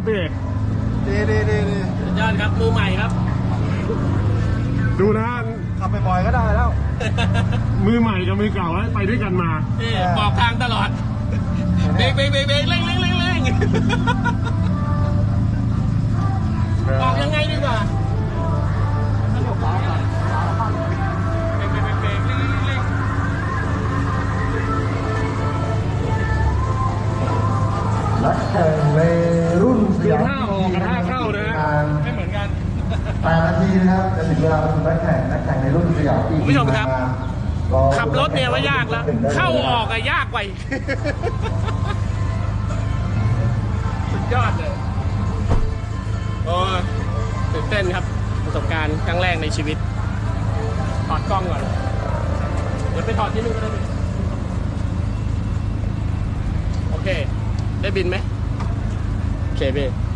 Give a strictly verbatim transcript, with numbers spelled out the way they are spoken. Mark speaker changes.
Speaker 1: พี่
Speaker 2: ดีดีดีดี
Speaker 3: สุดยอดครับมือใหม่ครับ
Speaker 1: ดูนะ
Speaker 2: ขับไปบ่อยก็ได้แล้ว
Speaker 1: มือใหม่กับมือเก่าไปด้วยกันมา
Speaker 3: นี่บอกทางตลอดเบรกเบรกเบรกเบรกเร่งเร่งเร่งเร่งบอกยังไงดีกว่าเบรกเบรกเบรกเบรกเร่งเร่งเร่ง
Speaker 2: นักแข่งในรุ่นส
Speaker 1: ดู
Speaker 2: ยาม
Speaker 1: ท่าออกกับท่าเข้านะฮะ
Speaker 3: ไม่เหมือนกัน
Speaker 2: แปดนาทีนะครับจะถึงเวลาประชุมนักแข่งนักแข่งในรุ่นสยามอีก
Speaker 3: คุณผู้ชมครับ ขับรถเนี่ยว่ายากแล้วเข้าออกอะยากกว่าอีกสุดยอดเลยโอ้ตื่นเต้นครับประสบการณ์ครั้งแรกในชีวิตถอดกล้องก่อนเดี๋ยวไปถอดที่นู่นก็ได้ดิโอเคได้บินไหมโอเคพี่